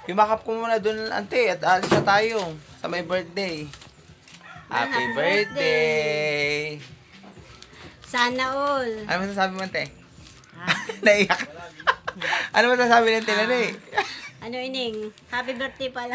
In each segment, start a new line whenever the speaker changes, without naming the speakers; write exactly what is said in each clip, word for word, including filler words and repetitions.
Himakap ko muna dun, ante, at alis na tayo sa may birthday. Happy
Happy
birthday!
Sana all.
Ano masasabi mo, ante?
Ha?
Naiyak. Ano masasabi ng tinanay?
Ano ining? Happy birthday pala.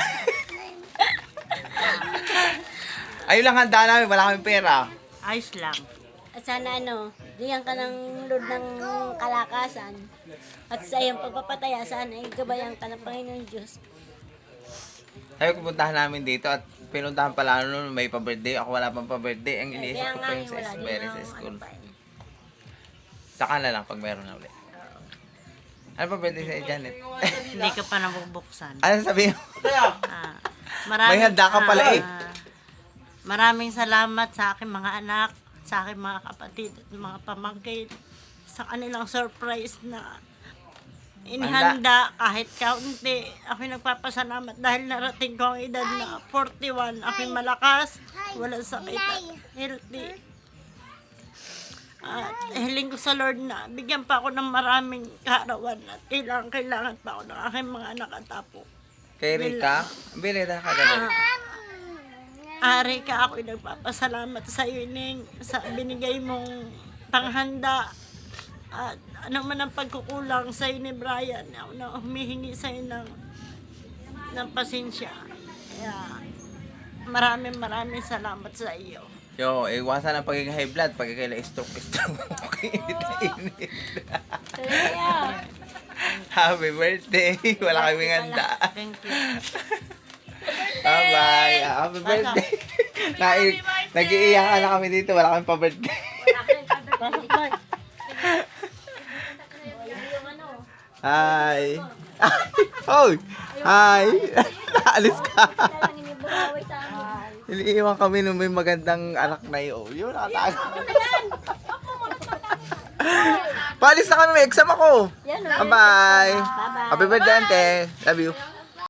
Ayun lang handa namin, wala kaming pera.
Ayos lang.
At sana ano, diyan ka ng load ng kalakasan. At sa iyong pagpapataya, sana ay gabayan ka ng Panginoon Diyos.
Sabi ko puntahan namin dito at pinuntahan pala noon may pa-birthday. Ako wala pang pa-birthday. Ang iniisip
Kaya
ko
nga
pa
eh,
yung sa
wala din
Esbere
ang
sa school.
ano pa eh.
Saka na lang pag meron na ulit. Ano pa birthday sa Janet?
Hindi ka pa nabubuksan.
Ano sabihin mo?
Ah, maraming,
May handa ka pala eh.
ah, maraming salamat sa aking mga anak, sa aking mga kapatid at mga pamangkin sa kanilang surprise na inihanda kahit kaunti. Ako nagpapasalamat dahil narating ko ang edad na forty-one. Ako malakas, walang sakit at healthy. At hiling ko sa Lord na bigyan pa ako ng maraming kaarawan at kailangan, kailangan pa ako ng aking mga anak at apo.
Kay Rika? Bilita ka ganun.
Ari ka, ako'y nagpapasalamat sa iyo, Ning, sa binigay mong panghanda. At ano man ang pagkukulang sa iyo ni Brian, ako na humihingi sa iyo ng, ng pasensya. Kaya maraming maraming salamat sa iyo.
Yo, iwasan ang pagiging high blood. Pag kaila stroke, stroke. Okay, init.
Kaya,
Happy birthday. Wala kaming handa.
Thank you.
Bye-bye. Happy birthday. Nai- Nag-iiyakan na kami dito. Wala kaming pa-birthday. Hi. Hoy. Hi. Naalis ka. Iniiwan kami nung may magandang anak na yun. Yun, nakatago. Paalis na kami. May exam ako.
yan o.
Bye-bye.
Bye-bye.
Happy birthday, ante. Love you.